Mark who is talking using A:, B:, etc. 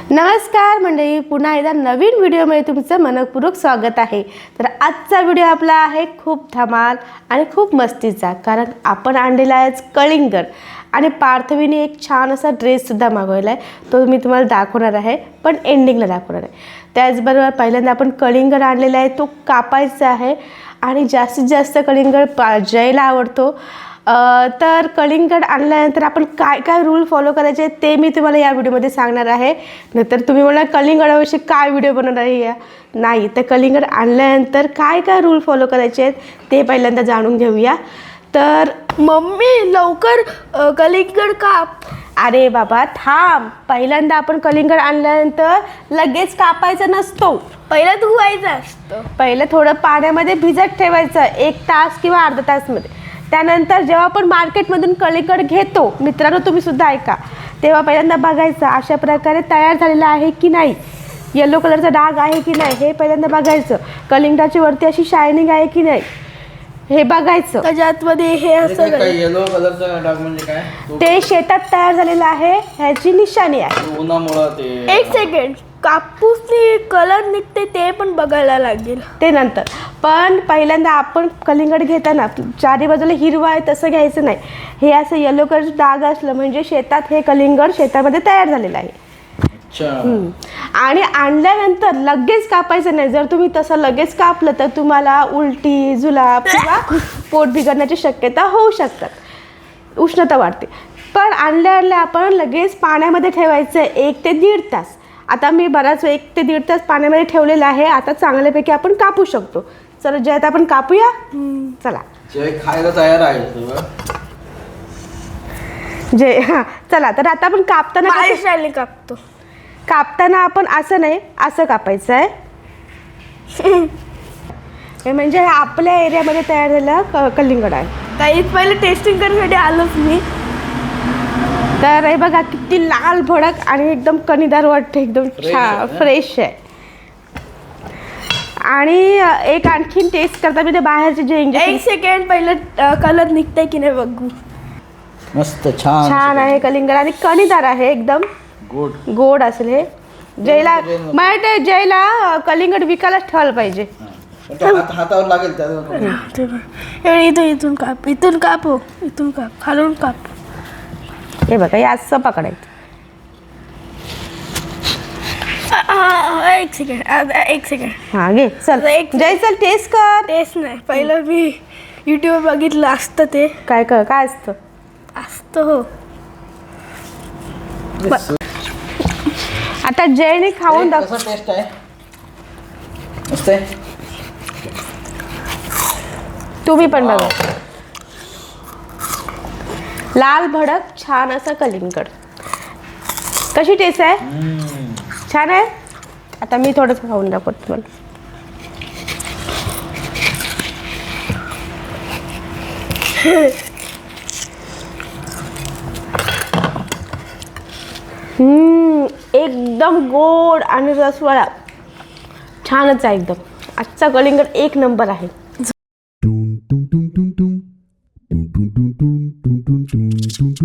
A: नमस्कार मंडळी, पुन्हा एकदा नवीन व्हिडिओमध्ये तुमचं मनपूर्वक स्वागत आहे। तर आजचा व्हिडिओ आपला आहे खूप धमाल आणि खूप मस्तीचा, कारण आपण आणलेला आहे कलिंगड आणि पार्थवीने एक छान असा ड्रेससुद्धा मागवला आहे। तो मी तुम्हाला दाखवणार आहे, पण एंडिंगला दाखवणार आहे। त्याचबरोबर पहिल्यांदा आपण कलिंगड आणलेला आहे, तो कापायचा आहे आणि जास्तीत जास्त कलिंगड जयला आवडतो। तर कलिंगड आणल्यानंतर आपण काय काय रूल फॉलो करायचे ते मी तुम्हाला या व्हिडिओमध्ये सांगणार आहे। नंतर तुम्ही म्हणाल कलिंगडाविषयी काय व्हिडिओ बनवणार आहे या, नाही तर कलिंगड आणल्यानंतर काय काय रूल फॉलो करायचे आहेत ते पहिल्यांदा जाणून घेऊया। तर
B: मम्मी लवकर कलिंगड काप।
A: अरे बाबा थांब, पहिल्यांदा आपण कलिंगड आणल्यानंतर लगेच कापायचा नसतो,
B: पहिला धुवायचं असतं,
A: पहिलं थोडं पाण्यामध्ये भिजत ठेवायचं 1 तास किंवा अर्धा तासमध्ये। त्यानंतर जेव्हा आपण मार्केटमधून कलिंगड घेतो, मित्रांनो तुम्ही सुद्धा ऐका, तेव्हा पहिल्यांदा बघायचं अशा प्रकारे तयार झालेला आहे की नाही, येलो कलरचा डाग आहे की नाही हे पहिल्यांदा बघायचं, कलिंगडाची वरती अशी शायनिंग आहे की नाही हे बघायचं।
B: त्याच्या आतमध्ये हे असं
C: येलो कलरचा डाग म्हणजे काय?
A: ते शेतात तयार झालेलं आहे, ह्याची निशाणी आहे।
C: उन्हामुळे ते
B: एक सेकंड, कापूसनी कलर निघते ते पण बघायला लागेल
A: ते नंतर। पण पहिल्यांदा आपण कलिंगड घेताना चारी बाजूला हिरवा आहे तसं घ्यायचं नाही, हे असं येलो कलरचं डाग असलं म्हणजे शेतात हे कलिंगड शेतामध्ये तयार झालेलं आहे। आणि आणल्यानंतर लगेच कापायचं नाही, जर तुम्ही तसं लगेच कापलं तर तुम्हाला उलटी, जुलाब किंवा पोट बिघडण्याची शक्यता होऊ शकतात, उष्णता वाढते। पण आणल्या आपण लगेच पाण्यामध्ये ठेवायचं 1 ते 1.5 तास। आता मी बराच 1 ते 1.5 तास पाण्यामध्ये ठेवलेलं आहे, आता चांगल्यापैकी आपण कापू शकतो। चला जय, आता आपण कापूया, चला
C: जय खायला तयार आहे
A: जय। हां चला, तर आता आपण कापताना कापताना आपण असं नाही, असं कापायचं आहे। हे म्हणजे आपल्या एरियामध्ये तयार झालेलं कलिंगड आहे।
B: काही पहिले टेस्टिंग करण्यासाठी आलोच मी।
A: तर हे बघा किती लाल भडक आणि एकदम कणीदार वाटते, एकदम छान फ्रेश आहे। आणि एक आणखीन टेस्ट करता मी ते बाहेरचे जे इंजेक्शन।
B: 1 सेकंड, पहिलं कलर निघतंय की नाही बघू।
C: मस्त छान
A: छान आहे कलिंगड आणि कणीदार आहे, एकदम गोड असेल हे। जयला मला जयला कलिंगड विकायलाच ठेवायला पाहिजे,
C: हातावर लागेल
B: इथून काप, इथून काप, इथून काप, खालून काप।
A: हे बघा हे असं पकडायचं।
B: 1 सेकंड
A: हां घे, चल जय चल टेस्ट कर।
B: टेस्ट नाही, पहिलं मी यूट्यूब बघितलं असतं ते
A: काय असतं
B: हो।
A: आता जयने खाऊन दाखव,
C: कसं टेस्ट आहे? मस्त आहे,
A: तुम्ही पण बघा। लाल भडक छान असं कलिंगड, कशी टेस्ट आहे? छान आहे। आता मी थोडंसं खाऊन दाखवतो तुम्हाला। एकदम गोड आणि रसवाळा, छानच आहे एकदम। आजचा कलिंगड 1 नंबर आहे।